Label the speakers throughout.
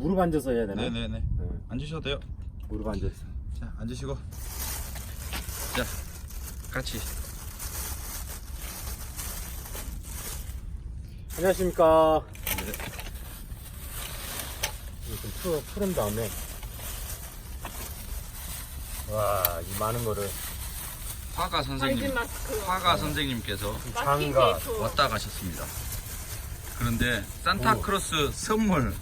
Speaker 1: 무릎 앉아서 해야 되나?
Speaker 2: 네네네.
Speaker 1: 네.
Speaker 2: 앉으셔도 돼요.
Speaker 1: 무릎 앉아서.
Speaker 2: 자, 앉으시고. 자, 같이.
Speaker 1: 안녕하십니까.
Speaker 2: 네.
Speaker 1: 이거 좀 푸른 다음에. 와, 이 많은 거를.
Speaker 2: 화가 선생님, 화가 선생님께서
Speaker 1: 장가
Speaker 2: 왔다 가셨습니다. 그런데 산타크로스 선물,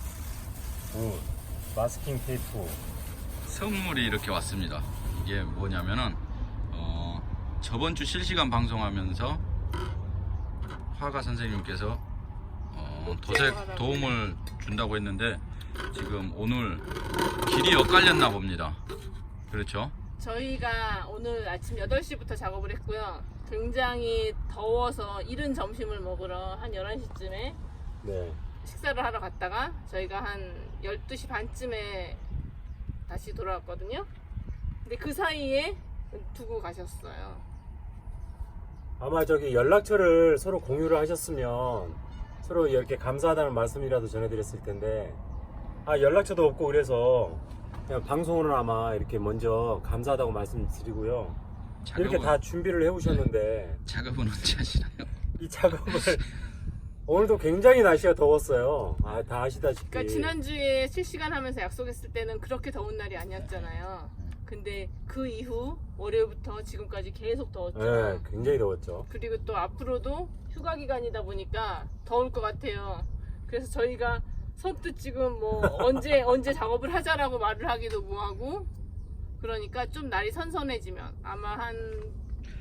Speaker 1: 마스킹 테이프.
Speaker 2: 선물이 이렇게 왔습니다. 이게 뭐냐면은 저번 주 실시간 방송하면서 화가 선생님께서 도색 도움을 준다고 했는데 지금 오늘 길이 엇갈렸나 봅니다. 그렇죠?
Speaker 3: 저희가 오늘 아침 8시부터 작업을 했고요. 굉장히 더워서 이른 점심을 먹으러 한 11시쯤에
Speaker 1: 네.
Speaker 3: 식사를 하러 갔다가 저희가 한 12시 반쯤에 다시 돌아왔거든요. 근데 그 사이에 두고 가셨어요.
Speaker 1: 아마 저기 연락처를 서로 공유를 하셨으면 서로 이렇게 감사하다는 말씀이라도 전해드렸을 텐데, 연락처도 없고 그래서 그냥 방송으로 아마 이렇게 먼저 감사하다고 말씀드리고요. 이렇게 다 준비를 해오셨는데
Speaker 2: 작업은 언제 하시나요?
Speaker 1: 이 작업을 오늘도 굉장히 날씨가 더웠어요. 다 아시다시피.
Speaker 3: 그러니까 지난주에 실시간 하면서 약속했을 때는 그렇게 더운 날이 아니었잖아요. 근데 그 이후 월요일부터 지금까지 계속 더웠죠.
Speaker 1: 네, 굉장히 더웠죠.
Speaker 3: 그리고 또 앞으로도 휴가 기간이다 보니까 더울 것 같아요. 그래서 저희가 선뜻 지금 뭐 언제 작업을 하자라고 말을 하기도 뭐하고, 그러니까 좀 날이 선선해지면 아마 한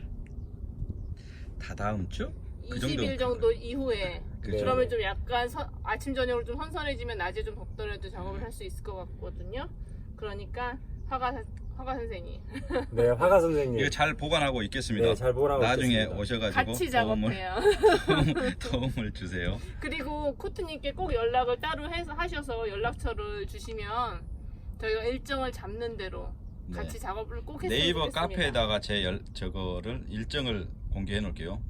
Speaker 2: 다다음 주?
Speaker 3: 20일 정도 이후에
Speaker 1: 네.
Speaker 3: 그러면 좀 약간 아침 저녁으로 좀 선선해지면 낮에 좀 덥더라도 작업을 할 수 있을 것 같거든요. 그러니까 화가 선생님
Speaker 1: 네, 화가 선생님.
Speaker 2: 이거 잘 보관하고 있겠습니다.
Speaker 1: 네, 잘 보관하고
Speaker 2: 나중에
Speaker 1: 있겠습니다.
Speaker 2: 오셔가지고
Speaker 3: 같이 작업해요.
Speaker 2: 도움을 주세요.
Speaker 3: 그리고 코트님께 꼭 연락을 따로 해서 하셔서 연락처를 주시면 저희가 일정을 잡는 대로
Speaker 2: 네.
Speaker 3: 같이 작업을 꼭 했으면
Speaker 2: 네이버
Speaker 3: 좋겠습니다.
Speaker 2: 카페에다가 저거를 일정을 공개해 놓을게요.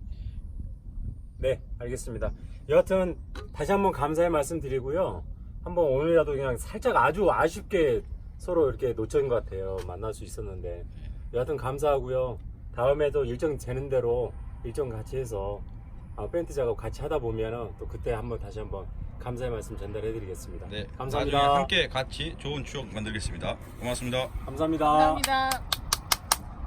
Speaker 1: 네, 알겠습니다. 여하튼 다시 한번 감사의 말씀 드리고요. 한번 오늘이라도 그냥 살짝 아주 아쉽게 서로 이렇게 놓친 것 같아요. 만날 수 있었는데. 여하튼 감사하고요. 다음에도 일정 되는 대로 일정 같이 해서 페인트 작업 같이 하다 보면은 또 그때 다시 한번 감사의 말씀 전달해 드리겠습니다.
Speaker 2: 네,
Speaker 1: 감사합니다.
Speaker 2: 나중에 함께 같이 좋은 추억 만들겠습니다. 고맙습니다.
Speaker 1: 감사합니다.
Speaker 3: 감사합니다.